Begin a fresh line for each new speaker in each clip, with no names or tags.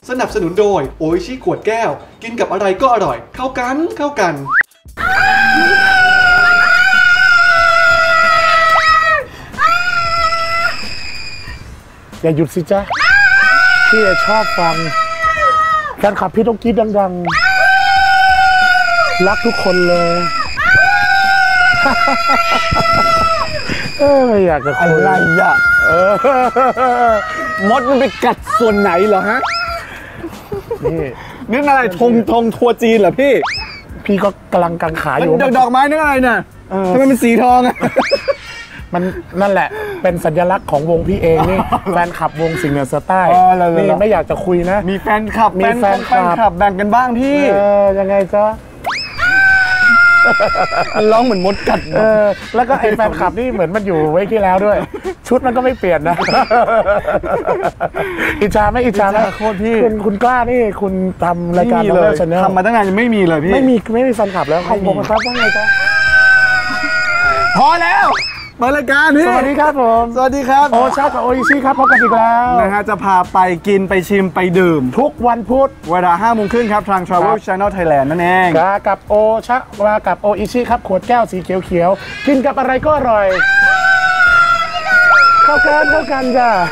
สนับสนุนโดยโออิชิขวดแก้วกินกับอะไรก็อร่อยเข้ากัน
อย่าหยุดสิจ๊ะพี่ชอบฟังแฟนคลับพี่ต้องกรี๊ดดังๆรักทุกคนเลยไม่อยากจะคุย
อะไรอ่ะมดมันไปกัดส่วนไหนเหรอฮะนี่อะไรธงทัวจีนเหรอพี่
ก็กำลังกังขาอยู่
ดอกไม้นี่อะไรเนี่ยทำไมเป็นสีทองอ่ะ
มันนั่นแหละเป็นสัญลักษณ์ของวงพี่เองนี่แฟนคลับวงสิงห์เหนือสไตล์นี่ไม่อยากจะคุยนะ
มีแฟนคลับแบ่งกันบ้างพี่
ยังไงจ๊ะ
มันร้องเหมือนมดกัด
แล้วก็ไอ้แฟนคลับนี่เหมือนมันอยู่ไว้ที่แล้วด้วยชุดมันก็ไม่เปลี่ยนนะอิจฉาไหม
โคตรพี่
คุณกล้านี่คุณทำรายการเลย
ทำมาตั้งนานยังไม่มีเลยพี่
ไม่มีแฟนคลับแล้วของผมครับว่าไงจ๊ะ
พอแล้วมารายการนี่
สวัสดีครับผม
สวัสดีครับ
โอชากับโออิชิครับพบกันอีกแล้ว
นะฮะจะพาไปกินไปชิมไปดื่ม
ทุกวันพุธ
เวลา 5 โมงครึ่งครับทาง Travel Channel Thailand นั่นเอง
กับโอชากับโออิชิครับขวดแก้วสีเขียวๆกินกับอะไรก็อร่อยเข้ากันจ้ะ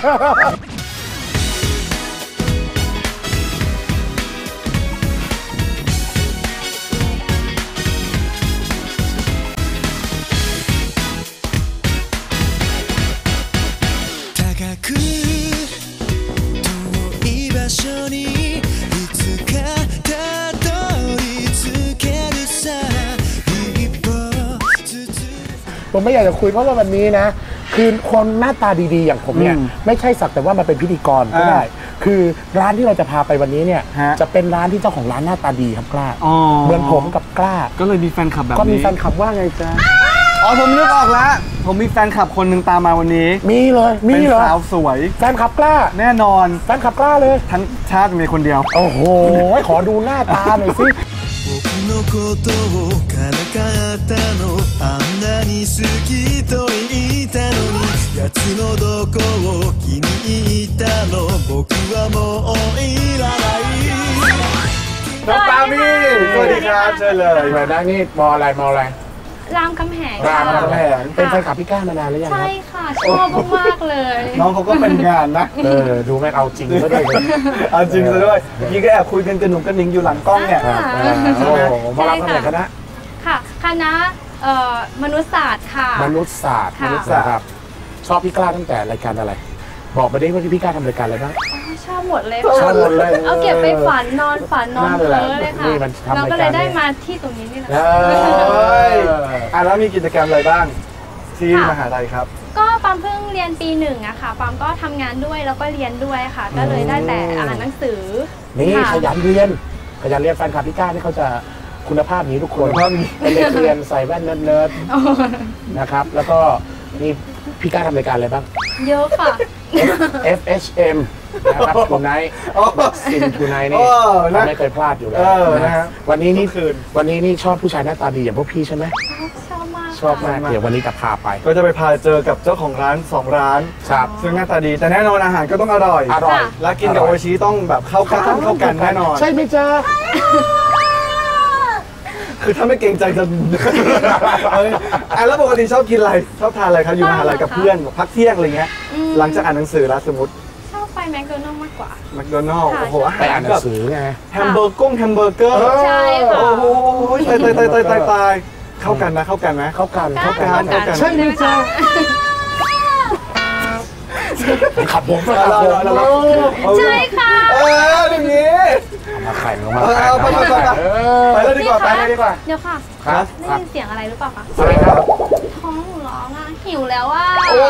ผมไม่อยากจะคุยเพราะว่าวันนี้นะคือคนหน้าตาดีๆอย่างผมเนี่ยไม่ใช่สักแต่ว่ามาเป็นพิธีกรก็ได้คือร้านที่เราจะพาไปวันนี้เนี่ยจะเป็นร้านที่เจ้าของร้านหน้าตาดีครับกล้าเหมือนผมกับกล้า
ก็เลยมีแฟนคลับแบบนี้
ก็มีแฟนคลับว่าไงจ๊ะ
ผมนึกออกแล้วผมมีแฟนคลับคนหนึ่งตามมาวันนี้
มีเลย
เป็นสาวสวย
แฟนคลับกล้า
แน่นอน
แฟนคลับกล้าเลย
ทั้งชาติมีคนเดียว
โอ้โหขอดูหน้าตาหน่อยสิ
のことをからかったのあんなに好きと言ったのに奴のどこを気に入ったの僕はもういらない
น้องปามี่สวัสดีครับเชิญเลย
มาได้นี่มออะไร
รามคำแหง
เป็นแฟนคลับพี่ก้าานานหรือยัง
ใช่ค่ะชอบมากเลย
น้องเขาก็เป็นงานนะ
ดูแม่เอาจริงซะด้วย
เอาจริงซะด้วยยี่ก็แอบคุยกันกระหนุ่มกระหนิงอยู่หลังกล้องเนี่ย
ใช่ไหมมารับคำแหงคณะ
ค่ะคณะมนุษยศาสตร์ค่ะ
มนุษยศาสตร์ครับชอบพี่กล้าตั้งแต่รายการอะไรบอกมาได้ว่าพี่กล้าทำรายการอะไรบ้าง
ชอบหมดเลยเอาเก็บไปฝันนอนเพ้อเลยค่ะเราก็เลยได้มาที่ตรงนี้นี่แหละ
แล้วมีกิจกรรมอะไรบ้างที่มหาลัยครับ
ก็ปามเพิ่งเรียนปี1อะค่ะปามก็ทำงานด้วยแล้วก็เรียนด้วยค่ะก็เลยได้แต่อ่านหนังสือ
นี่ขยันเรียนแฟนคลับพี่ก้าที่เขาจะคุณภาพนี้ทุกคนเป็นเด็กเรียนใส่แว่นเนิร์ดนะครับแล้วก็นี่พี่ก้าทำรายการอะไรบ้าง
เยอะค่ะ
FHM นะครับทูไนท์ซินทูไนท์นี่ไม่เคยพลาดอยู่แล้ววันนี้นี่ชอบผู้ชายหน้าตาดีอย่างพวกพี่ใช่ไหมชอบมากเดี๋ยววันนี้จะพาไป
ก็จะไปพาเจอกับเจ้าของร้าน2ร้านซึ่งหน้าตาดีแต่แน่นอนอาหารก็ต้องอร่อยและกินกับโออิชิต้องแบบเข้ากันแน่นอน
ใช่ไหมจ๊ะ
คือถ้าไม่เกรงใจจะแล้วปกติชอบกินอะไรชอบทานอะไรครับอยู่มหาลัยกับเพื่อนพักเที่ยงอะไรเงี้ยหลังจากอ่านหนังสือแล้วสมมติ
ชอบไปแมคโดนัลล์มากกว่า
แมคโดนัลล์โอ้โห
ไปอ่านหนังสือไง
แฮมเบอร์เกอร์
ใช่ค่ะ
โอ้โหตายเข้ากันไหมเข้ากัน
ใช่ไหมจ๊ะขับผม
ใช่ค่ะ
อย่างนี้
มาไข่
ไปแล้วดีกว่า
เดี๋ยวค่ะได้ยินเสียงอะไรหรือเปล่าคะ
อะไรครับ
ท้องร้องอ่ะหิวแล้วอ่ะ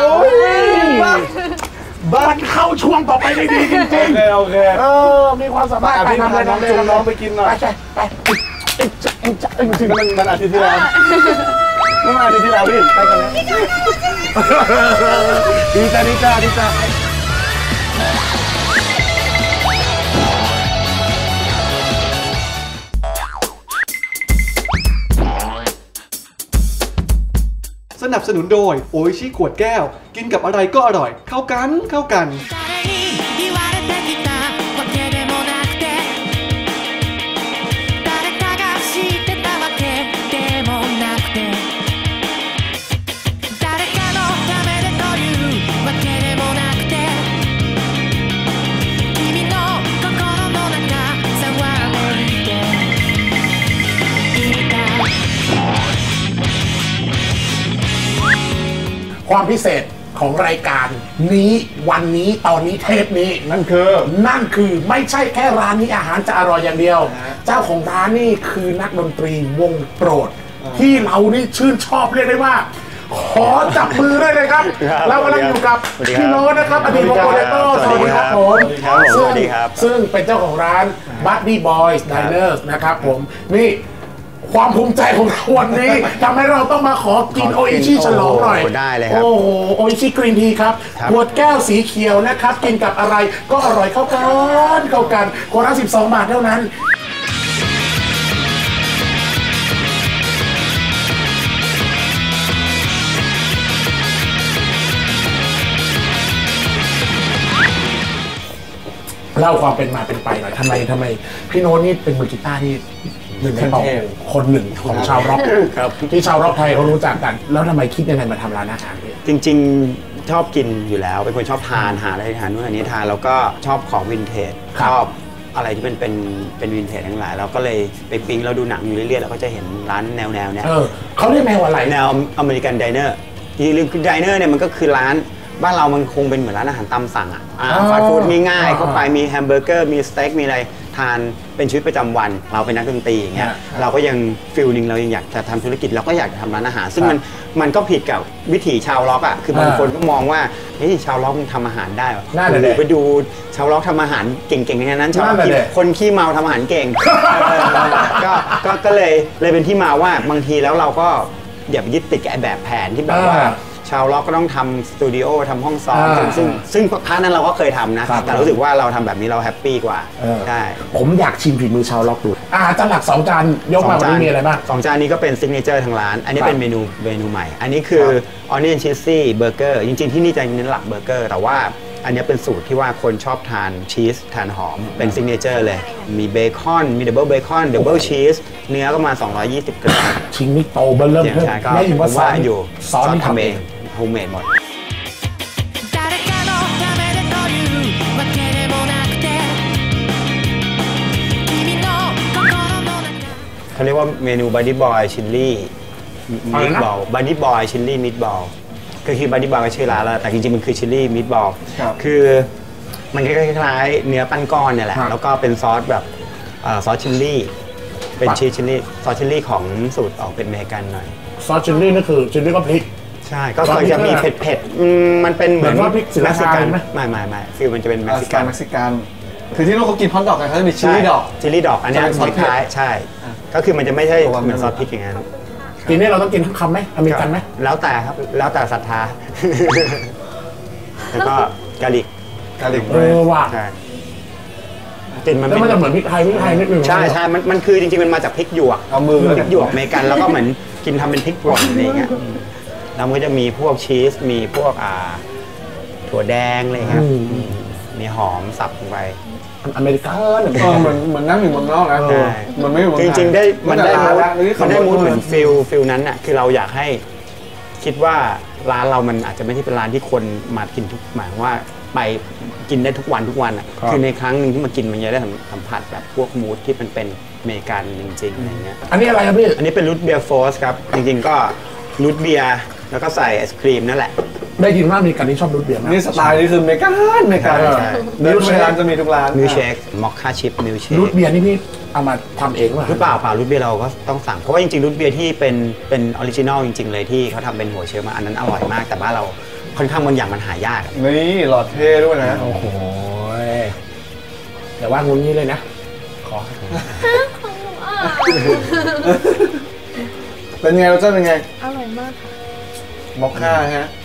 บ้านเข้าช่วงต่อไปได้ดีจริง
ๆโอเค
มีความสามารถ
ไปทำอะไรน้องไปกินหน่อย
ไป
จริงมันอาทิตย์ที่แล้วเมื่ออาทิตย์ที่แล้วพี่ไปกันแล้วดีจ้า
สนับสนุนโดยโออิชิขวดแก้วกินกับอะไรก็อร่อยเข้ากัน
ความพิเศษของรายการนี้วันนี้ตอนนี้เทปนี้นั่นคือไม่ใช่แค่ร้านนี้อาหารจะอร่อยอย่างเดียวเจ้าของร้านนี่คือนักดนตรีวงโปรดที่เรานี่ชื่นชอบเรียกได้ว่าขอจับมือได้เลยครับเรากำลังอยู่กับพี่โน้ตนะครับอดีตวงโปรเลโต้สวัสดีครับผมซึ่งเป็นเจ้าของร้าน Buddy Boys Diners นะครับผมนี่ความภูมิใจของเราวันนี้ทำให้เราต้องมาขอกินโออิชิฉลองหน่อย
ได้เลยครับ
โอ้โหโออิชิกรีนทีครับขวดแก้วสีเขียวนะครับกินกับอะไรก็อร่อยเข้ากันขวดละ12 บาทเท่านั้นเล่าความเป็นมาเป็นไปหน่อยทำไมพี่โน้ตนี่เป็นมือกีตาร์ที่หนึ่งในคนหนึ่งของชาวร็อกที่ชาวร็อกไทยเขารู้จักกันแล้วทำไมคิดยังไงมาทำร้านอาหารเนี่ย
จริงๆชอบกินอยู่แล้วเป็นคนชอบทานหาอะไรทานนู่นอันนี้ทานแล้วก็ชอบของวินเทจชอบอะไรที่เป็นวินเทจทั้งหลายเราก็เลยไปปิ๊งเราดูหนังอยู่เรื่อยๆเราก็จะเห็นร้านแนวเนี้ย
เขาเรียกแนวอะไร
แนวอเมริกันไดเนอร์ที่เรื่องคือไดเนอร์เนี่ยมันก็คือร้านบ้านเรามันคงเป็นเหมือนร้านอาหารตามสั่งฟาสต์ฟู้ดง่ายๆเข้าไปมีแฮมเบอร์เกอร์มีสเต็กมีอะไรทานเป็นชีวิตประจำวันเราเป็นนักดนตรีอย่างเงี้ยเราก็ยังฟิลนึงเรายังอยากจะทำธุรกิจเราก็อยากจะทำร้านอาหารซึ่งมันก็ผิดกับวิถีชาวล็อกคือบางคนก็มองว่าเฮ้ยชาวล็อกมันทำอาหารได้ไปดูชาวล็อกทำอาหารเก่งๆอย่างนั้นชาวคนขี้เมาทำอาหารเก่งก็เลยเป็นที่มาว่าบางทีแล้วเราก็อย่าไปยึดติดกับแบบแผนที่แบบว่าชาวล็อกก็ต้องทำสตูดิโอทำห้องซ้อมซึ่งพาร์ทนั้นเราก็เคยทำนะแต่รู้สึกว่าเราทำแบบนี้เราแฮปปี้กว่าใช่
ผมอยากชิมฝีมือชาวล็อกดูจานหลัก2 จานยกมาวันนี้มีอะไรบ้าง
2 จานนี้ก็เป็นซิกเนเจอร์ทางร้านอันนี้เป็นเมนูใหม่อันนี้คือ Onion Cheesy Burger จริงๆที่นี่จะเน้นหลักเบอร์เกอร์แต่ว่าอันนี้เป็นสูตรที่ว่าคนชอบทานชีสทานหอมเป็นซิกเนเจอร์เลยมีเบคอนมีดับเบิลเบคอนดับเบิลชีสเนื้อก็มา220 กรัม
ชิ้นนี้โตเบลเริ่ม
ไม่ถึงว่าอยู่ซอสทำเองโฮมเมดหมดเขาเรียกว่าเมนู Buddy Boy Chili Meatball Buddy Boy Chili Meatball ก็คือ Buddy Boy ก็ชื่อร้านแล้วแต่จริงๆมันคือ Chili Meatball คือมันคล้ายๆเนื้อปั้นก้อนเนี่ยแหละแล้วก็เป็นซอสแบบซอสชิลลี่เป็นชีสชิลลี่ซอสชิลลี่ของสูตรออกเป็นอเมริกันหน่อย
ซอสชิลลี่นั่นคือชิลลี่ก็พริก
ใช่ก็จะมีเผ็ดมันเป็นเหมือน
ว่าพริกเม็กซิกัน
ไหมไม่ฟิลมันจะเป็นเม็กซิ
กันคือที่นู้นเขากินฮอทดอกกันเขาจะมีชิลลี่ดอก
อันนี้คล้ายใช่ก็คือมันจะไม่ใช่เหมือนซอสพริกอย่างนั้น
ทีนี้เราต้องกินทุกคำไหมอเมริกันไหม
แล้วแต่ครับแล้วแต่ศรัทธาแล้วก็กาลิก
ว่ะ
กลิ่นมัน
จะเหมือนพริกไทยนิดนึง
ใช่มันคือจริงๆมันมาจากพริกหยวกพริกหยวกอเมริกันแล้วก็เหมือนกินทำเป็นพริกป่นอะไรอย่างเงี้ยแล้วมันก็จะมีพวกชีสมีพวกถั่วแดงอะไรเงี้ยมีหอมสับลงไป
อเมริกัน
เหมือนนั่งอยู่เมืองนอกนะมันไม่
จริงๆมันได้มูดเหมือนฟิลนั้นน่ะคือเราอยากให้คิดว่าร้านเรามันอาจจะไม่ใช่เป็นร้านที่คนมากินทุกหมายว่าไปกินได้ทุกวันอ่ะคือในครั้งหนึ่งที่มากินมันจะได้สัมผัสแบบพวกมูดที่มันเป็นอเมริกันจริงๆอะไรเงี้ย
อันนี้อะไรครับพี่
อันนี้เป็นรูทเบียร์โฟสครับจริงๆก็รูทเบียร์แล้วก็ใส่ไอศครีมนั่นแหละ
ได้ยินว่ามีการที่ชอบรูทเบียร์
นี่สไตล์นี่คือเมกามิลเชคร้านจะมีทุกร้าน
มิลเชคมอคค่าชิพมิลเชค
รูทเบียร์นี่พี่เอามาทำเอง
หรือเปล่ารูทเบียร์เราก็ต้องสั่งเพราะว่าจริงๆรูทเบียร์ที่เป็นออริจินอลจริงๆเลยที่เขาทำเป็นหัวเชื้อมาอันนั้นอร่อยมากแต่ว่าเราค่อนข้างบางอย่างมันหายาก
นี่หลอดเท่ด้วยนะ
โอ้โหแต่ว่างุ้นนี้เลยนะขอ
เป็นไงรสชาติเป็นไง
อร่อยมากค่ะ
มอคค่าฮะ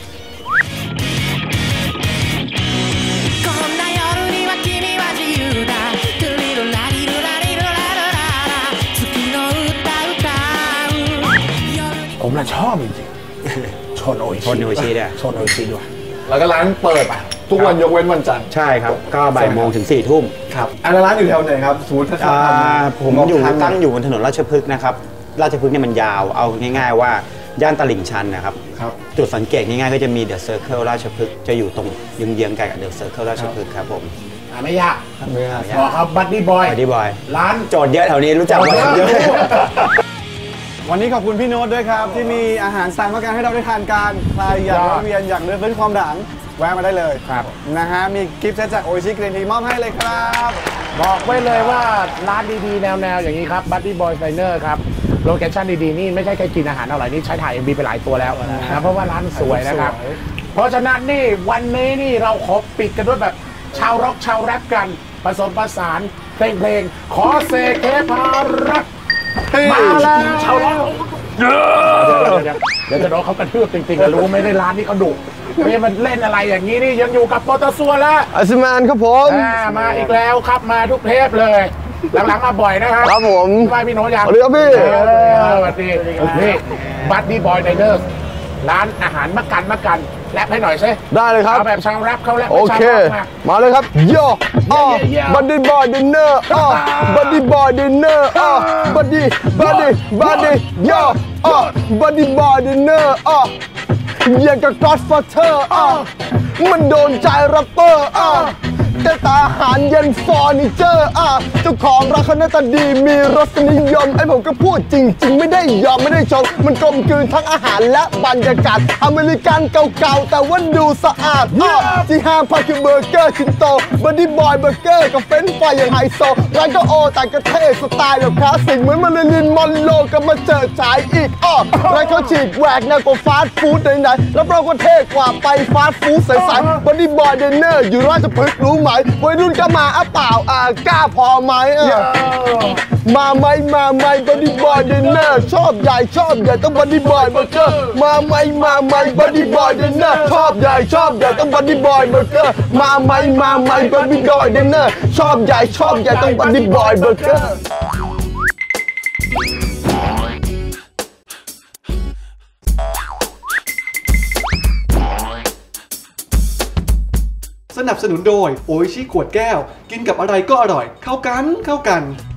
ผมน่ะชอบจริงๆชนโอชิ
ด้วย
ชนโอชิด้วย
แล้วก็ร้านเปิดทุกวันยกเว้นวันจันทร์
ใช่ครับก็บ่ายโมงถึง4 ทุ่ม
ครับร้านอยู่แถวไหนครับสมมติถ้า
ผมตั้งอยู่บนถนนราชพฤกษ์นะครับราชพฤกษ์เนี่ยมันยาวเอาง่ายๆว่าย่านตลิ่งชันนะครับจุดสังเกตง่ายๆก็จะมีเดอะเซอร์เคิลราชพฤกษ์จะอยู่ตรงเยื้องๆกันกับเดอะเซอร์เคิลราชพฤกษ์ครับผม
ไม่ยากบอกครับบัดดี้บอย
ร้
าน
โจทย์เยอะแถวนี้รู้จักหมดเยอะ
วันนี้ขอบคุณพี่โน้ตด้วยครับที่มีอาหารสั่งมาการให้เราได้ทานกันใครอยากแวะเวียนอยากเลือกเล่นความหลังแวะมาได้เลยครับนะฮะมีกิฟต์เซตจากโออิชิกรีนทีมอบให้เลยครับ
บอกไว้เลยว่าร้านดีๆแนวๆอย่างนี้ครับ Buddy Boy Diner ครับโลเคชั่นดีๆนี่ไม่ใช่แค่กินอาหารอร่อยนี่ใช้ถ่าย MV ไปหลายตัวแล้วนะเพราะว่าร้านสวยนะครับเพราะฉะนั้นนี่วันนี้นี่เราขอปิดกันด้วยแบบชาวร็อกชาวแรปกันผสมผสานเพลงขอเสกเทพารักมาแล้วชาวร็อกเดี๋ยวจะโดนเขากระทืบจริงๆรู้ไม่ได้ร้านนี้เขาดุไม่มันเล่นอะไรอย่างนี้นี่ยังอยู่กับโปรตซัวแล้ว
อัสมานครับผม
มาอีกแล้วครับมาทุกเทปเลยหลังๆมาบ่อยนะครับ
ครับผม
ไหว้พี่โน้ตยัง
สวัสดีครับพี่
สวัสดีนี่Buddy Boy Dinerร้านอาหารมักกันแรปให้หน่อยสิ
ได้เลยครับ
เอาแบบชาวแรปเขาแรป
โอเคมาเลยครับโย่Buddy Boy Diner Buddy Boy Diner Buddyโย่Buddy Boy Diner อย่างกับ Godfather มันโดนใจแรปเปอร์แต่ตาอาหารเย็นฟอร์นิเจอร์เจ้าของร้านเขาหน้าตาดีมีรสนิยมไอ้ผมก็พูดจริงๆไม่ได้ยอมไม่ได้ชมมันกลมกลืนทั้งอาหารและบรรยากาศอเมริกันเก่าๆแต่ว่าดูสะอาดที่ห้ามพลาดคือเบอร์เกอร์ชิ้นโตบัดดี้บอยเบอร์เกอร์กับเฟรนช์ฟรายอย่างไฮโซร้านก็โอแต่ก็เท่สไตล์แบบคลาสสิกเหมือนมาริลินมอนโรก็มาเจอฉายอีกร้านเขาฉีกแหวกแนวกว่าฟาสต์ฟู้ดไหนๆรับรองว่าเท่กว่าไปฟาสต์ฟู้ดใสๆบัดดี้บอยเดนเนอร์อยู่ราชพฤกษ์รู้ไหมวัยรุ่นก็มาเปล่ากล้าพอไหมมาไหมบัดดี้บอยเดนเนอร์ชอบใหญ่ต้องบัดดี้บอยเบอร์เกอร์มาไหมบัดดี้บอยเดนเนอร์ชอบใหญ่ต้องบัดดี้บอยเบอร์เกอร์มาไหมบัดดี้บอยเดนเนอร์ชอบใหญ่ต้องบัดดี้บอยเบอร์เกอร์
สนับสนุนโดยโออิชิขวดแก้วกินกับอะไรก็อร่อยเข้ากัน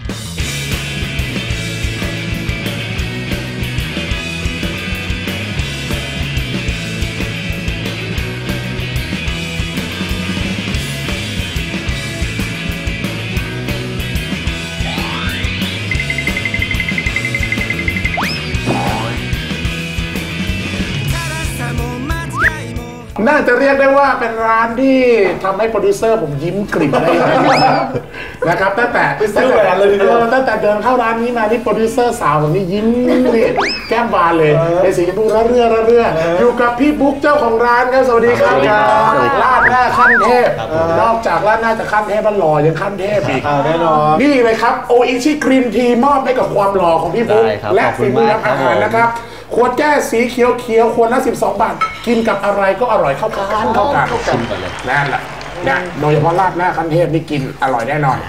น่าจะเรียกได้ว่าเป็นร้านที่ทำให้โปรดิวเซอร์ผมยิ้มกลิ่มได้นะครับตั้งแต่เดินเข้าร้านนี้มาที่โปรดิวเซอร์สาวผมนี่ยิ้มนี่แก้มบานเลยในสีชมพูระเรื่ออยู่กับพี่บุ๊กเจ้าของร้านครับสวัสดีครับร้านหน้าขั้นเทพนอกจากร้านหน้าจะขั้นเทพมันหล่อยังขั้นเทพอีก
แน่นอน
นี่เลยครับโออิชิกรีนทีมอบให้กับความหล่อของพี่บุ๊กและฝีมือทำอาหารนะครับขวดแก้วสีเขียวขวดละ12 บาทกินกับอะไรก็อร่อยเข้ากันนั่นแหละนะโดยเฉพาะราดหน้าขั้นเทพนี่กินอร่อยแน่นอน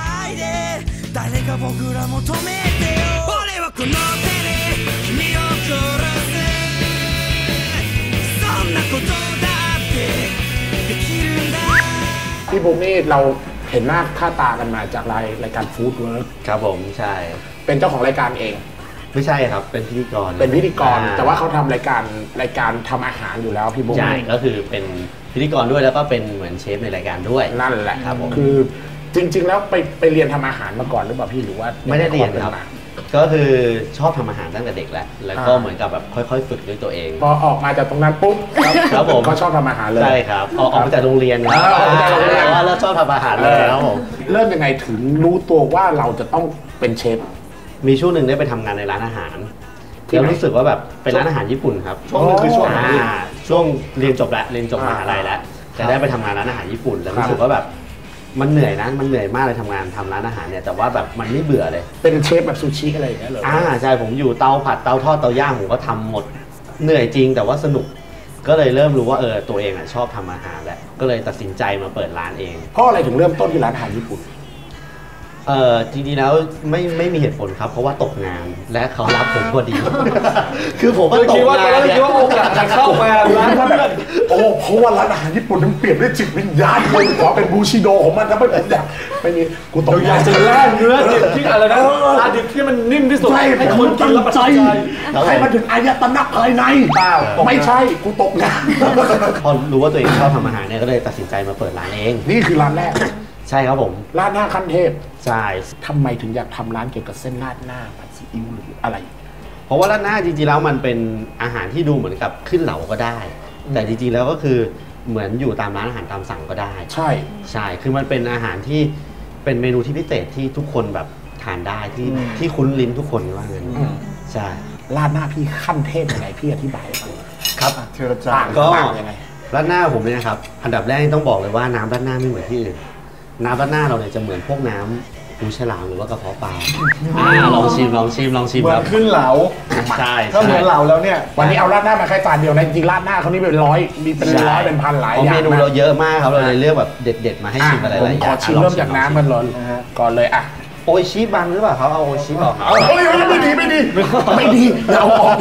พี่บุ๊กนี่เราเห็นหน้าค่าตากันมาจากรายการฟู้ดเวิร์ค
ครับผมใช่
เป็นเจ้าของรายการเอง
ไม่ใช่ครับเป็นพิธีกร
แต่ว่าเขาทำรายการทำอาหารอยู่แล้วพี่บุ๊ก
ใช่ก็คือเป็นพิธีกรด้วยแล้วก็เป็นเหมือนเชฟในรายการด้วย
นั่นแหละครับผมคือจริงๆแล้วไปเรียนทำอาหารมาก่อนหรือเปล่าพี่หรือว่า
ไม่ได้เรียนครับก็คือชอบทำอาหารตั้งแต่เด็กแล้วก็เหมือนกับแบบค่อยๆฝึกด้วยตัวเอง
พอออกมาจากตรงนั้นปุ๊บ
ครับผม
ก็ชอบทำอาหารเลย
ใช่ครับออกมาจากโรงเรียนแล้วชอบทำอาหารเลยครับผม
เริ่มยังไงถึงรู้ตัวว่าเราจะต้องเป็นเชฟ
มีช่วงหนึ่งได้ไปทำงานในร้านอาหารแล้วรู้สึกว่าแบบเป็นร้านอาหารญี่ปุ่นครับ
ช่วงนึงคือช่วง
เรียนจบมหาลัยแล้วจะได้ไปทำงานร้านอาหารญี่ปุ่นแล้วรู้สึกว่าแบบมันเหนื่อยมากเลยทำร้านอาหารเนี่ยแต่ว่าแบบมันไม่เบื่อเลย
เป็นเชฟแบบซูชิอะไรอย่างเงี้ยเหรอ
ใช่ผมอยู่เตาผัดเตาทอดเตาย่างผมก็ทำหมดเหนื่อยจริงแต่ว่าสนุกก็เลยเริ่มรู้ว่าตัวเองชอบทำอาหารแหละก็เลยตัดสินใจมาเปิดร้านเอง
เพราะอะไรถึงเริ่มต้นที่ร้านอาหารญี่ปุ่น
จริงๆแล้วไม่มีเหตุผลครับเพราะว่าตกงานและเขารับผมพอดีคือผมก็ตกงาน
คิดว่าโอกาสจะเข้ามาร้านเพื่อน
เพราะว่าร้านอาหารญี่ปุ่นมันเปลี่ยนด้วยจิตวิญญาณเลยขอเป็นบูชิโดของมันนะไม่ผมอยากไม่มีกูตกงาน
จะแล่เนื้อดิบที่อะไรนะปลาดิบที่มันนิ่มที่สุด
ให้คนกินแล้วใจให้มันถึงอายตนะภายในไม่ใช่กูตกงาน
พอรู้ว่าตัวเองชอบทำอาหารเนี่ยก็เลยตัดสินใจมาเปิดร้านเอง
นี่คือร้านแรก
ใช่ครับผม
ร้านหน้าขั้นเทพ
ใช่
ทำไมถึงอยากทำร้านเกี่ยวกับเส้นราดหน้าผัดซีอิ๊วหรืออะไร
เพราะว่าราดหน้าจริงๆแล้วมันเป็นอาหารที่ดูเหมือนกับขึ้นเหลาก็ได้ แต่จริงๆแล้วก็คือเหมือนอยู่ตามร้านอาหารตามสั่งก็ได้
ใช่
คือมันเป็นอาหารที่เป็นเมนูที่พิเศษที่ทุกคนแบบทานได้ที่คุ้นลิ้นทุกคนว่างั้นใช่
ราดหน้าพี่ขั้นเทพยังไงพี่อธิบายก่อน
ครับ
เทระจา
ก็ราดหน้าผมเนี่ยนะครับอันดับแรกต้องบอกเลยว่าน้ำราดหน้าไม่เหมือนที่อื่นน้ำราดหน้าเราเนี่ยจะเหมือนพวกน้ำหูฉลามหรือว่ากระเพาะปลาลองชิม
เหมือนขึ้นเหลา
ใช่
ถ้าเหมือนเหลาแล้วเนี่ย
วันนี้เอาราดหน้ามาแค่จานเดียวนะจริงราดหน้าเขานี่เป็นร้อยมีเป็นร้อยเป็นพันหลายอย่าง
เมนูเราเยอะมากครับเราเลยเลือกแบบเด็ดๆมาให้ชิมอะไรหลายอย่าง
ขอชิมเริ่มจากน้ำมันร้อนก่อนเลยอ่ะ
โอชิบังหรือเปล่าเขาเอาโอชิออก
ไม่ดีอย่าเอาออก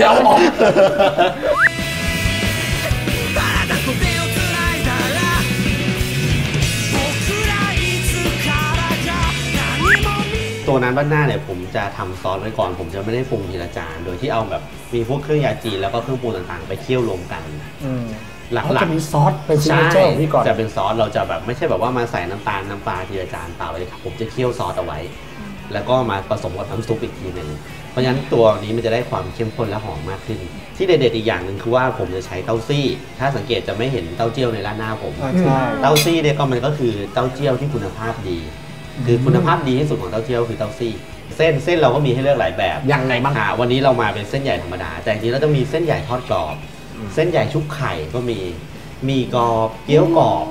ตัวน้ำราดหน้าเนี่ยผมจะทำซอสไว้ก่อนผมจะไม่ได้ปรุงทีละจานโดยที่เอาแบบมีพวกเครื่องยาจีนแล้วก็เครื่องปรุงต่างๆไปเคี่ยวรวมกัน
หลักๆจะมีซอสเป็นซิกเนเจอร์พี่ก่อน
จะเป็นซอสเราจะแบบไม่ใช่แบบว่ามาใส่น้ำตาลน้ำปลาทีละจานเปล่าเลยครับผมจะเคี่ยวซอสเอาไว้แล้วก็มาผสมกับน้ำซุปอีกทีหนึ่งเพราะฉะนั้นตัวนี้มันจะได้ความเข้มข้นและหอมมากขึ้นที่เด็ดๆอีกอย่างหนึ่งคือว่าผมจะใช้เต้าซี่ถ้าสังเกตจะไม่เห็นเต้าเจี้ยวในร้านหน้าผมเต้าซี่เนี่ยก็มันก็คือเต้าเจี้ยวที่คุณภาพดีคือคุณภาพดีที่สุดของเต้าเจี้ยวคือเต้าซี่เส้นเราก็มีให้เลือกหลายแบบ
ยังไงบ้าง
วันนี้เรามาเป็นเส้นใหญ่ธรรมดาแต่จริงๆเราจะมีเส้นใหญ่ทอดกรอบเส้นใหญ่ชุบไข่ก็มีกรอบเกี๊ยวกรอบ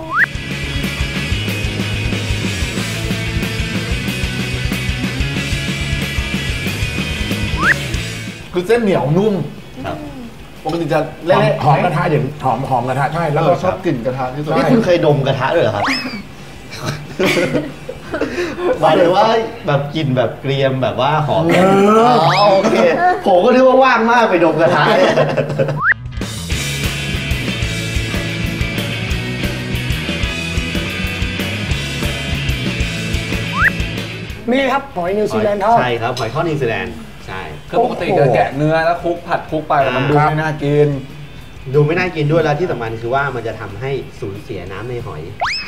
คือเส้นเหนียวนุ่มปกติจะเล่น
หอมกระทะอย่างหอมกระทะใช่แล้วก็
ชอบกลิ่นกระทะที่สุด
นี่คุณเคยดมกระทะด้วยเหรอครับหมายถึงว่าแบบกลิ่นแบบเกรียมแบบว่าหอมโอเคผมก็นึกว่าว่างมากไปดมกระทะ
นี่ครับหอยนิวซีแลนด์ทอด
ใช่ครับหอยทอดนิวซีแลนด์ใช่
คือปกติจะแกะเนื้อแล้วคลุกผัดคลุกไปมันดูไม่น่ากิน
ด้วยแล้วที่สำคัญคือว่ามันจะทำให้สูญเสียน้ำในหอย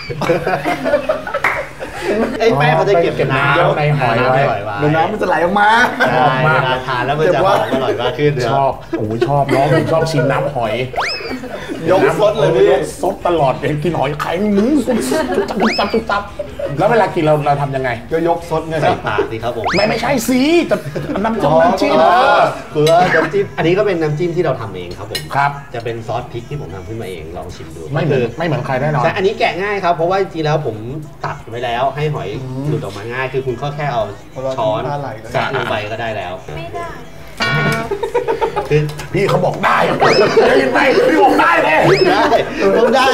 ไอ้แป้งเขาจะเก็บน้ำ
ในหอยไว้
เดี๋ยวน้ำมันจะไหลออกมา
เวลาทานแล้วมันจะหอมอร่อยมากขึ้น
ชอบชอบน้องผมชอบชิมน้ำหอย
ยกซดเลยพี่
ซดตลอดเลยกินหอยไข่จับแล้วเวลากินเราทำยังไง
ก็ยกซดไง
ใส่ปากสิครับผม
ไม่ใช่สิแต่น้ำจิ้ม
คือน้ำจิ้มอันนี้ก็เป็นน้ำจิ้มที่เราทำเองครับผม
ครับ
จะเป็นซอสพริกที่ผมทำขึ้นมาเองลองชิมดู
ไม่เหมือนใครแน่นอน
ใช่อันนี้แกะง่ายครับเพราะว่าจริงๆแล้วผมตัดไว้แล้วให้หอยหลุดออกมาง่ายคือคุณก็แค่เอาช้อนสาดลงไปก็ได้แล้ว
ไม่ได้
คือ
พี่เขาบอกได้ได้ยินไหมพี่บอกได้เลย
ได้ต้องได้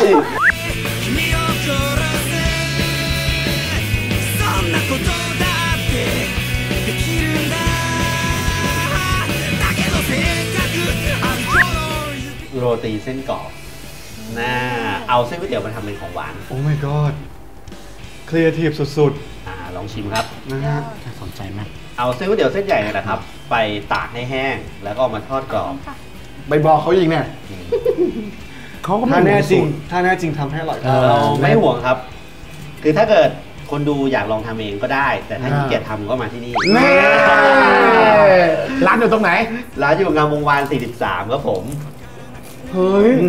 โรตีเส้นกรอบเอาเส้นก๋วยเตี๋ยวมาทำเป็นของหวาน
โอ้ my god ครีเอทีฟสุด
ๆลองชิมครับ
น่าสนใจมาก
เอาเส้นก๋วยเตี๋ยวเส้นใหญ่เนี่ยนะครับไปตากให้แห้งแล้วก็มาทอดกรอบ
ใบบอกเขายิงเนี่ย
เขาก็
ถ้าแน่จริงทำให้อร่อย
เราไม่ห่วงครับคือถ้าเกิดคนดูอยากลองทำเองก็ได้แต่ถ้าขี้เกียจทำก็มาที่นี่
ร้านอยู่ตรงไหน
ร้านอยู่งามวงวาน43ครับผม
เฮ้ย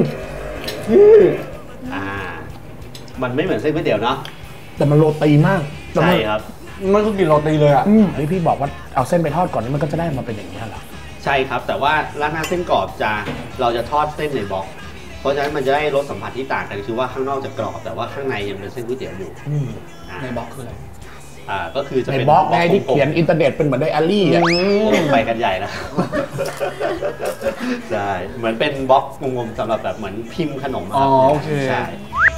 มันไม่เหมือนเส้นก๋วยเตี๋ยวเนาะ
แต่มันโรตีมาก
ใช่ครับ
มันก็กินโรตีเลยอ่ะ
เฮ้ยพี่บอกว่าเอาเส้นไปทอดก่อนนี่มันก็จะได้มาเป็นอย่างนี้เหรอ
ใช่ครับแต่ว่าราดหน้าเส้นกรอบเราจะทอดเส้นในบล็อกเพราะฉะนั้นมันจะได้รสสัมผัสที่ต่างกันคือว่าข้างนอกจะกรอบแต่ว่าข้างในยังเป็นเส้นก๋วยเตี๋ยวอยู่
ในบล็อกคืออะไร
ก็คือจะ
เป็นบล็อกไงที่เขียนอินเทอร์เน็ตเป็นเหมือนไดอารี่
ไปกันใหญ่แล้วใช่เหมือนเป็นบล็อกงงๆสำหรับแบบเหมือนพิมพ์ขนม
โอเค
ใช่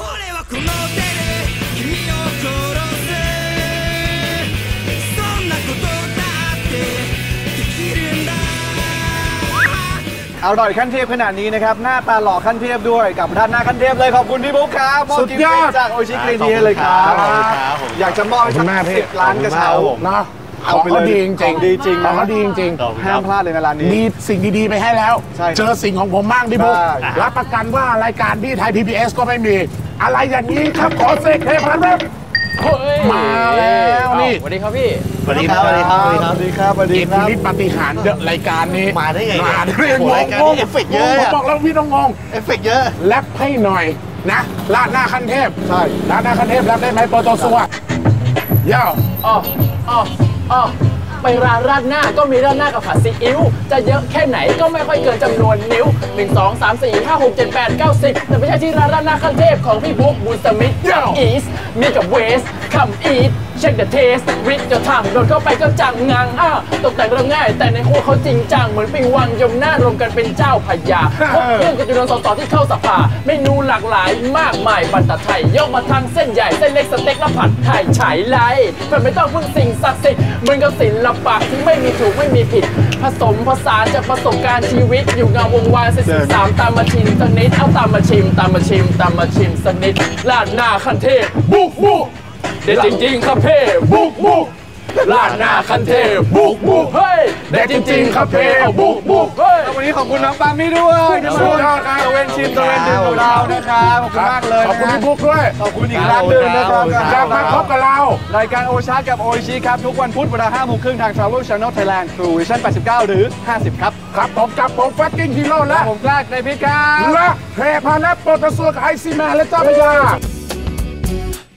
อร่อยขั้นเทพขนาดนี้นะครับหน้าตาหล่อขั้นเทพด้วยกับท่านหน้าขั้นเทพเลยขอบคุณพี่บุ๊คครับ
สุดยอด
จากโอชิกรีนีเลยครับอยากจะมอบให้10 ล้านกระเช้า
นะของเขาดีจริงของเขาดีจริง
ห้ามพลาดเลยในร้านนี้
มีสิ่งดีๆไปให้แล้วเจอสิ่งของผมบ้างพี่บุ๊ครับประกันว่ารายการพี่ไทย PBS ก็ไม่มีอะไรอย่างนี้ครับขอเซ็กเทพครับมาแล้วนี่
สวัสดีครับพี่
สวัสดีครับ สวัสดีครับ สวัสดีครับ สวัสดีครับ สวัสดี
เกม
ครับ
พินิจปาฏิหาริย์รายการนี้
มาได้ไง
มาได้ไง
โอ้โหรายการนี้เอฟเฟกต์เยอะ
ผมบอกแล้วพี่ต้องงง
เอฟเฟกต์เยอะ
แรปให้หน่อยนะลาดหน้าขั้นเทพ
ใช่
ลาดหน้าขั้นเทพแรปได้ไหมโปรโตซัวย่า
อ๋อไปร้านราดหน้าก็มีราดหน้ากับผัดซีอิ๊วจะเยอะแค่ไหนก็ไม่ค่อยเกินจำนวนนิ้ว 1 2 3 4 5 6 7 8 9 10แต่ไม่ใช่ที่ร้านราดหน้าขั้นเทพของพี่บุ๊กบุญสมิธอีสมีกับเวสคัมอีทเช็คเดอะเทสริดจะทำโดนเข้าไปก็จังงังตกแต่งเริ่มง่ายแต่ในครัวเขาจริงจังเหมือนปิงวังยมหน้ารวมกันเป็นเจ้าพญาพบเรื่องกับจำนวนสสที่เข้าสภาเมนูหลากหลายมากมายบรรทัดไทยยกมาทางเส้นใหญ่เส้นเล็กสเต็กและผัดไทยฉายไลมันไม่ต้องพึ่งสิ่งศักดิ์สิทธิ์เหมือนกับศิลปะที่ไม่มีถูกไม่มีผิดผสมผสานจากประสบการณ์ชีวิตอยู่เงาวงวาน43ตามมาชิมสักนิดเอาตามมาชิมสักนิดลาดหน้าขั้นเทพบุกเด็ดจริงๆครับเพ่บุกลาดหน้าคันเทพบุกเฮ้ยเด็ดจริงๆครับเพ่บุกเฮ้ย
วันนี้ขอบคุณน้องปามี่ด้วยที่มาร่วมตะเวนชิมตะเวนดื่มกับเรานะครับขอบคุณมากเลย
ขอบคุณพี่บุ๊กด้วย
ขอบคุณอีกครั้งหนึ่งนะครับ
กลับมาพบกับเรา
รายการโอชากับโอชิครับทุกวันพุธเวลา 5:30 นทาง Travel Channel Thailand True Vision 89 หรือ 50 ครับ
ครับผมกับผมฟักกิ้งฮีโร่และ
ผมกล้าในพิษครับ
และเพพาและโปรตซัวกับไอซีแมนและเจ้าพญา